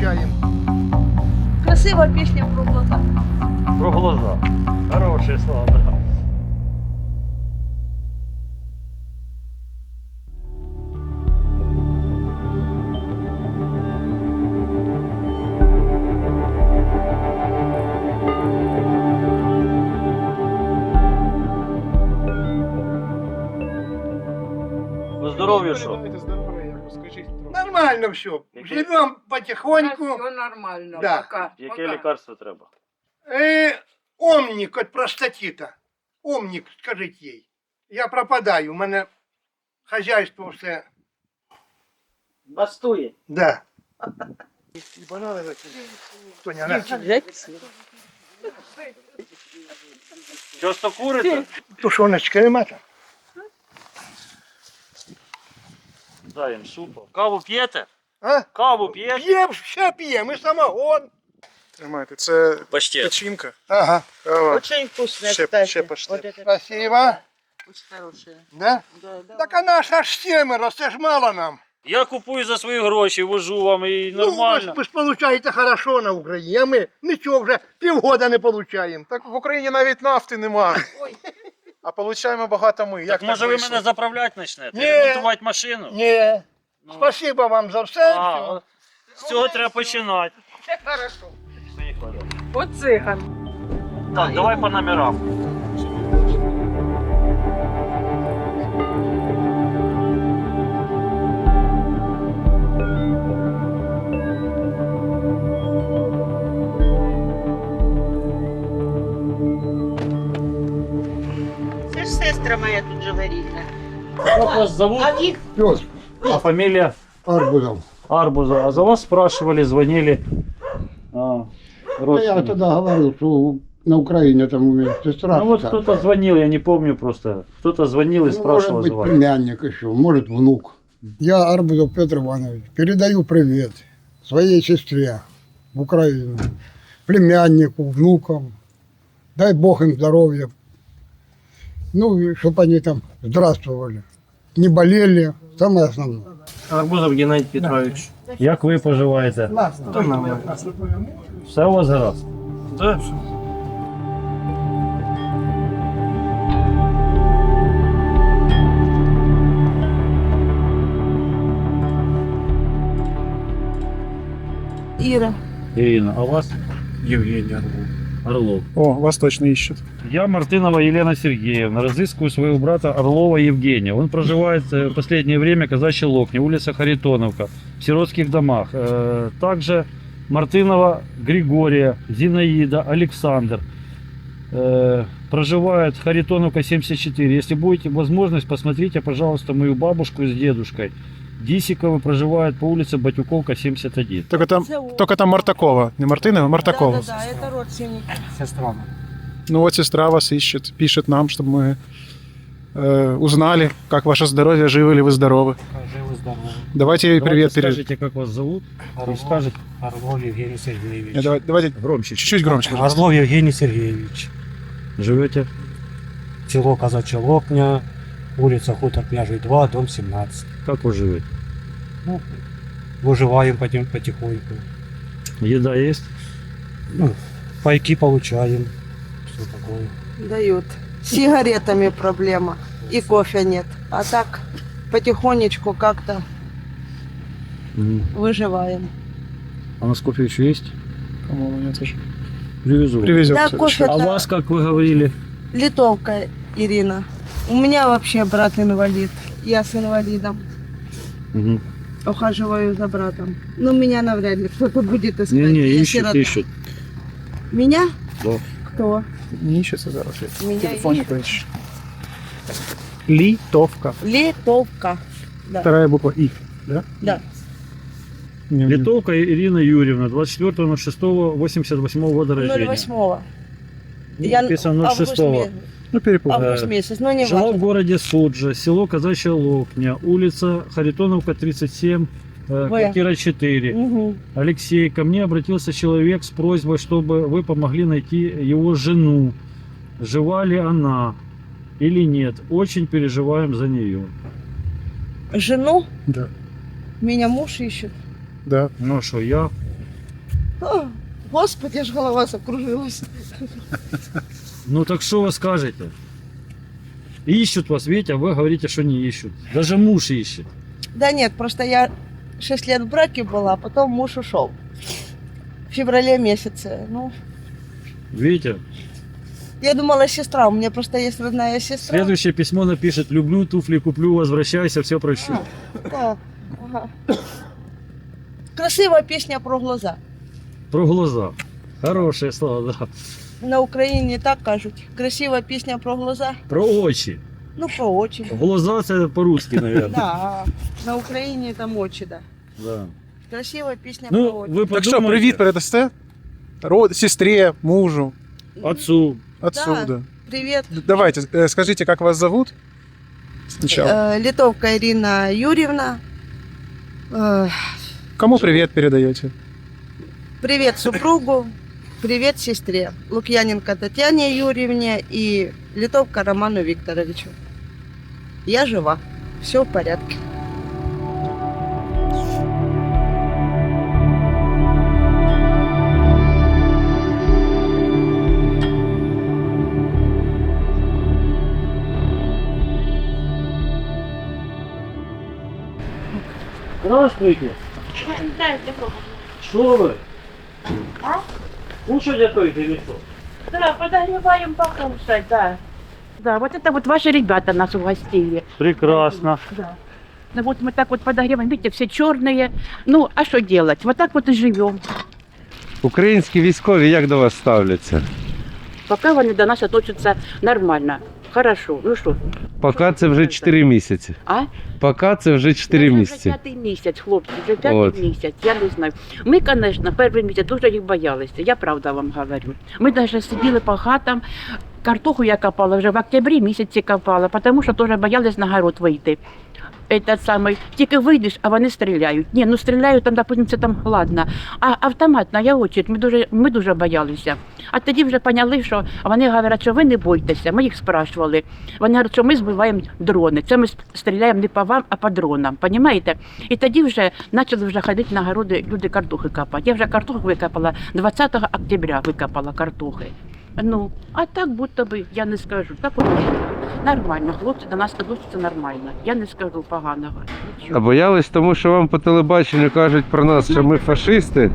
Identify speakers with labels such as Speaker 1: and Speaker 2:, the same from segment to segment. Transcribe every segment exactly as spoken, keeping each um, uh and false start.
Speaker 1: получаем.
Speaker 2: Красива пісня про глаза.
Speaker 3: Про глаза. Хорошие слова, да. По здоров'ю що?
Speaker 1: Нормально все.
Speaker 3: Який-
Speaker 1: Живем потихоньку.
Speaker 2: Все нормально,
Speaker 1: Да.
Speaker 2: пока.
Speaker 3: Яке
Speaker 2: пока.
Speaker 3: лікарство треба?
Speaker 1: Э, омник от простатита. Омник, скажіть їй. Я пропадаю, у мене хазяйство все.
Speaker 4: Бастує.
Speaker 1: Да. І банани закинь. Тоня, на.
Speaker 3: Часто курите?
Speaker 1: Тушоночка нема там?
Speaker 3: Дай їм супу. Каву п'єте?
Speaker 1: А?
Speaker 3: Каву п'єте?
Speaker 1: П'ємо, ще п'ємо, і самогон.
Speaker 5: Тримайте, це
Speaker 3: Паштет.
Speaker 5: печінка.
Speaker 1: Ага.
Speaker 5: Кава.
Speaker 4: Очень вкусная,
Speaker 5: Ще,
Speaker 4: кстати.
Speaker 5: ще паштет.
Speaker 4: Вот это
Speaker 1: Спасибо.
Speaker 4: очень хорошая.
Speaker 1: Да?
Speaker 4: Да, да.
Speaker 1: Так а нас аж семеро, це ж мало нам.
Speaker 3: Я купую за свої гроші, вожу вам і
Speaker 1: Ну, ви
Speaker 3: нормально.
Speaker 1: ж, ви ж получаєте хорошо на Україні, а ми нічого вже півгода не получаємо.
Speaker 5: Так в Україні навіть нафти нема. А получаємо багато ми. Як
Speaker 3: Так
Speaker 5: так
Speaker 3: може ви
Speaker 5: вийшло?
Speaker 3: мене заправляти почнете?
Speaker 1: Ні.
Speaker 3: Ремонтувати машину?
Speaker 1: Ні.
Speaker 3: Ну.
Speaker 1: Спасибо вам за все.
Speaker 3: А,
Speaker 1: все.
Speaker 3: от з цього треба починати.
Speaker 1: Хорошо.
Speaker 3: Поїхали.
Speaker 2: От циган.
Speaker 3: Так, давай по номерам.
Speaker 4: Це ж сестра моя тут живе рідна.
Speaker 3: Как вас зовут?
Speaker 4: А їх
Speaker 6: Пес
Speaker 3: А фамилия?
Speaker 6: Арбузов.
Speaker 3: Арбуза. А за вас спрашивали, звонили. А,
Speaker 6: Я
Speaker 3: родственники.
Speaker 6: тогда говорил, что на Украине там у меня сестра.
Speaker 3: Ну вот
Speaker 6: вся.
Speaker 3: кто-то звонил, я не помню просто. Кто-то звонил и
Speaker 6: Ну,
Speaker 3: спрашивал
Speaker 6: может
Speaker 3: за
Speaker 6: быть,
Speaker 3: вас.
Speaker 6: племянник еще, может, внук. Я Арбузов Петр Иванович. Передаю привет своей сестре в Украину, племяннику, внукам. Дай Бог им здоровья. Ну, и чтобы они там здравствовали. Не болели, самое основное.
Speaker 7: Арбузов Геннадій Петрович.
Speaker 3: Як ви поживаєте?
Speaker 7: Та нормально.
Speaker 3: Все у вас гаразд?
Speaker 7: Да,
Speaker 2: Іра.
Speaker 3: Ирина, а вас?
Speaker 7: Євгеній Орлов.
Speaker 3: Орлов.
Speaker 5: О, вас точно ищут.
Speaker 3: Я Мартынова Елена Сергеевна, разыскиваю своего брата Орлова Евгения. Он проживает э, в последнее время в Казачьей Локне, улица Харитоновка, в сиротских домах. Э, Также Мартынова Григория, Зинаида, Александр. Э, Проживает Харитоновка семьдесят четыре. Если будете возможность, посмотрите, пожалуйста, мою бабушку с дедушкой. Дисиковы проживают по улице Батюковка, семьдесят один.
Speaker 5: Только там,
Speaker 2: Це о-
Speaker 5: только там Мартакова. Не Мартынова, а Мартакова.
Speaker 2: Да, да, да, это родственники.
Speaker 7: Сестра.
Speaker 5: Ну вот сестра вас ищет, пишет нам, чтобы мы э, узнали, как ваше здоровье, живы ли вы здоровы.
Speaker 7: Живы здоровы.
Speaker 5: Давайте ей привет передадим.
Speaker 3: Скажите, как вас зовут? И
Speaker 7: Орлов,
Speaker 3: скажете
Speaker 7: Орлов Евгений Сергеевич.
Speaker 5: Э, давай- Давайте
Speaker 3: громче.
Speaker 5: чуть-чуть громче. пожалуйста.
Speaker 7: Орлов Евгений Сергеевич.
Speaker 3: Живете?
Speaker 7: Село Казачья Локня, улица Хутор Княжий два, дом семнадцать.
Speaker 3: Как вы живете?
Speaker 7: Ну, выживаем потем- потихоньку.
Speaker 3: Еда есть?
Speaker 7: Ну, пайки получаем. Все такое.
Speaker 2: Дают. С сигаретами проблема. И кофе нет. А так потихонечку как-то выживаем.
Speaker 3: А у нас кофе еще есть?
Speaker 5: По-моему, нет уже.
Speaker 3: Привезу.
Speaker 5: Привезем.
Speaker 2: Да,
Speaker 5: в
Speaker 2: кофе
Speaker 5: следующий.
Speaker 3: А вас, как вы говорили?
Speaker 2: Литовка Ирина. У меня вообще брат инвалид. Я с инвалидом.
Speaker 3: Угу.
Speaker 2: Ухаживаю за братом. Ну, меня навряд ли кто-то будет искать.
Speaker 3: Не-не,
Speaker 2: Я
Speaker 3: ищут,
Speaker 2: сирота.
Speaker 3: ищут.
Speaker 2: Меня?
Speaker 3: Да.
Speaker 2: Кто?
Speaker 5: Не ищется зараз. я
Speaker 2: Меня
Speaker 5: телефоне
Speaker 2: ищут.
Speaker 5: поищу. Литовка.
Speaker 2: Литовка. Да.
Speaker 5: Вторая буква И. Да?
Speaker 2: Да.
Speaker 5: Не, не.
Speaker 3: Литовка Ирина Юрьевна, двадцать четвёртого шестого восемьдесят восьмого года рождения.
Speaker 2: ноль восьмого.
Speaker 3: Ну,
Speaker 2: Я
Speaker 3: написано
Speaker 2: август
Speaker 3: шестого.
Speaker 2: месяц.
Speaker 5: Ну, перепутал.
Speaker 2: Август месяц, но не
Speaker 3: Жила в
Speaker 2: важно.
Speaker 3: городе Суджа, село Казачья Локня, улица Харитоновка, тридцать семь, э,
Speaker 2: Вы.
Speaker 3: квартира четыре.
Speaker 2: Мгм.
Speaker 3: Алексей, ко мне обратился человек с просьбой, чтобы вы помогли найти его жену. Жива ли она или нет? Очень переживаем за нее.
Speaker 2: Жену?
Speaker 5: Да.
Speaker 2: Меня муж ищет.
Speaker 5: Да.
Speaker 3: Ну что, я
Speaker 2: О, Господи, аж голова закружилась.
Speaker 3: Ну так что вы скажете? Ищут вас, видите, а вы говорите, что не ищут. Даже муж ищет.
Speaker 2: Да нет, просто я шесть лет в браке была, а потом муж ушел. В феврале месяце. Ну,
Speaker 3: Видите?
Speaker 2: я думала, сестра. У меня просто есть родная сестра.
Speaker 3: Следующее письмо напишет: люблю, туфли куплю, возвращайся, все прощу.
Speaker 2: Да, ага. Красивая песня про глаза.
Speaker 3: Про глаза. Хорошие слова, да.
Speaker 2: На Україні так кажуть. Красива пісня про глаза.
Speaker 3: Про очі.
Speaker 2: Ну, про очі.
Speaker 3: Глаза це по-русски, наверное.
Speaker 2: Да, на Україні там очі, да.
Speaker 3: Да.
Speaker 2: Красива пісня про
Speaker 3: Ну,
Speaker 2: очі.
Speaker 3: ви
Speaker 5: Так что,
Speaker 3: подумайте.
Speaker 5: привет передасте? Род, сестре, мужу,
Speaker 3: Отцу.
Speaker 5: отцу,
Speaker 2: Да.
Speaker 5: да.
Speaker 2: Привіт.
Speaker 5: Д- Давайте, э, скажите, как вас зовут? Сначала.
Speaker 2: Е, Литовка Ірина Юрівна. Е,
Speaker 5: Кому привет передаете?
Speaker 2: Привет супругу. Привет сестре. Лукьяненко Татьяне Юрьевне и Литовка Роману Викторовичу. Я жива. Все в порядке.
Speaker 3: Здравствуйте. Что вы?
Speaker 4: А?
Speaker 3: Кушать готовите или что?
Speaker 4: Да, подогреваем покушать, да. Да, вот это вот ваши ребята нас угостили.
Speaker 3: Прекрасно.
Speaker 4: Да. Ну вот мы так вот подогреваем, видите, все черные. Ну, а что делать? Вот так вот и живем.
Speaker 8: Українські військові як до вас ставляться?
Speaker 4: Пока вони до нас относятся нормально. Хорошо. Ну что?
Speaker 8: Поки це вже чотири місяці.
Speaker 4: А?
Speaker 8: Поки це вже чотири
Speaker 4: Це
Speaker 8: місяці.
Speaker 4: Вже п'ятий місяць, хлопці, вже п'ятий
Speaker 8: От.
Speaker 4: місяць, я не знаю. Ми, звісно, перший місяць дуже їх боялися, я правда вам говорю. Ми навіть сиділи по хатам, картоху я копала вже в октябрі місяці копала, тому що теж боялись на город вийти. Этот самий, тільки вийдеш, а вони стріляють. Ні, ну стріляють, там, допустим, це там ладно. А автоматна, я очередь, ми дуже, ми дуже боялися. А тоді вже поняли, що вони говорять, що ви не бойтеся. Ми їх спрашували. Вони говорять, що ми збиваємо дрони. Це ми стріляємо не по вам, а по дронам. Понімаєте? І тоді вже почали вже ходити на городи, люди картохи копати. Я вже картоху викопала, двадцятого октября викопала картохи. Ну, а так будто би, я не скажу. Так от нормально, хлопці до нас відносяться нормально. Я не скажу поганого.
Speaker 8: А
Speaker 4: Нічого.
Speaker 8: боялись, тому що вам по телебаченню кажуть про нас, що ми фашисти.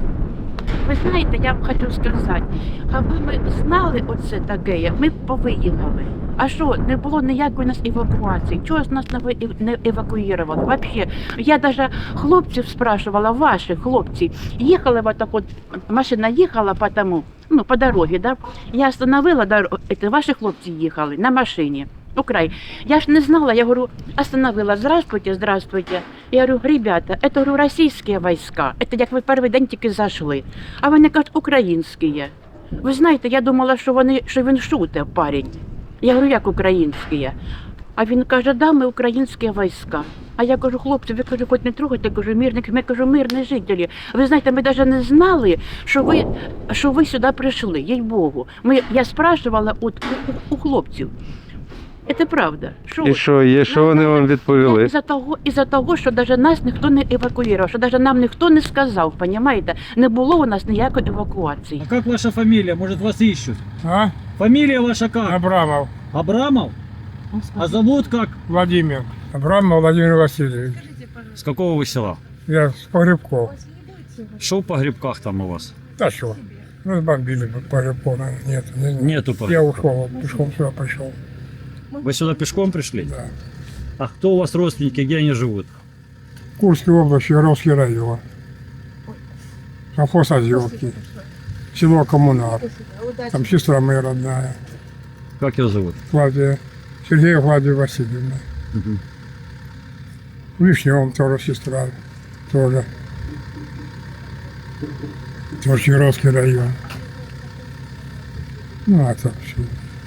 Speaker 4: Ви знаєте, я вам хочу сказати, аби ми знали оце таке, ми б повиїхали. А що, не було ніякої нас евакуації? Чого ж нас не ви- не евакуювали? Вообще, я навіть хлопців спрашивала, ваших хлопців, їхали вот так от, машина їхала по тому, ну, по дорозі, да? Я остановила дорогу, це ваші хлопці їхали на машині. Украй. Я ж не знала, я говорю, остановила, здравствуйте, здравствуйте. Я говорю, ребята, это, говорю, российские войска, это як ви перший день тільки зайшли. А вони кажуть, українські. Ви знаєте, я думала, що, вони, що він шутить, парень. Я говорю, як українські? А він каже, да, ми українські війська. А я кажу, хлопці, ви кажу, хоч не трогайте, кажу, мирних, ми кажу, мирні жителі. Ви знаєте, ми навіть не знали, що ви, що ви сюди прийшли, їй-богу. Ми, я спрашувала от, у, у хлопців. Це правда. Що
Speaker 8: І що, є, що вони вам відповіли?
Speaker 4: Із-за того, із-за того, що навіть нас ніхто не евакуював, що навіть нам ніхто не сказав, понімаєте? Не було у нас ніякої евакуації.
Speaker 3: А как ваша фамилия? Может, вас ищут?
Speaker 6: А?
Speaker 3: Фамилия ваша как?
Speaker 6: Абрамов
Speaker 3: Абрамов? А зовут как?
Speaker 6: Владимир. Абрамов Владимир Васильевич.
Speaker 3: С какого вы села?
Speaker 6: Я с погребков.
Speaker 3: Что в погребках там у вас?
Speaker 6: Да что? Разбомбили погребков, наверное. Нет, не знаю.
Speaker 3: Нету
Speaker 6: Я
Speaker 3: погребков.
Speaker 6: ушел, пешком сюда пошел.
Speaker 3: Вы сюда пешком пришли?
Speaker 6: Да.
Speaker 3: А кто у вас родственники, где они живут?
Speaker 6: Курской области, Яровский район. Совхоз Озерки. Село Коммунар. Там сестра моя родная.
Speaker 3: Как ее зовут?
Speaker 6: Клавдия. Сергея Клавдия Васильевна.
Speaker 3: Мгм.
Speaker 6: В Вишневом тоже сестра. Тоже. Тоже Яровский район. Ну, а так все.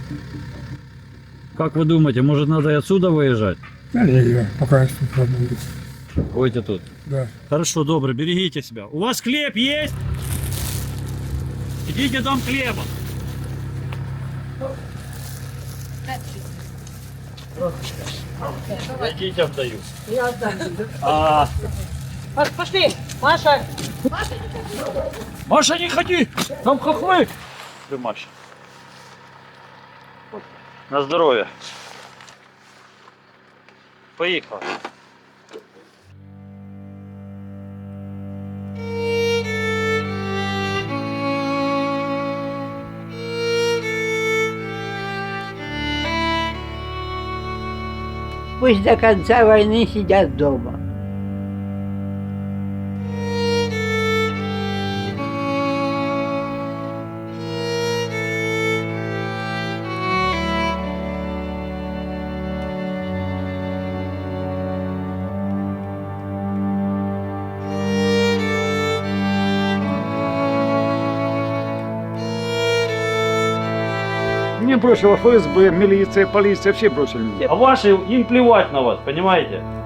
Speaker 3: Как вы думаете, может, надо и отсюда выезжать?
Speaker 6: Да не, я пока я тут работаю.
Speaker 3: Будете тут.
Speaker 6: Да.
Speaker 3: Хорошо, добро, берегите себя. У вас хлеб есть? Идите дом хлеба. Идите, отдаю.
Speaker 4: Я отдам.
Speaker 3: А,
Speaker 4: Пошли.
Speaker 2: Маша,
Speaker 3: Маша, не ходи! Там хохлы! Ты, Маша. На здоровье. Поехал.
Speaker 9: Пусть до конца войны сидят дома.
Speaker 10: Мне бросила ФСБ, милиция, полиция, все бросили меня.
Speaker 3: А ваши, им плевать на вас, понимаете?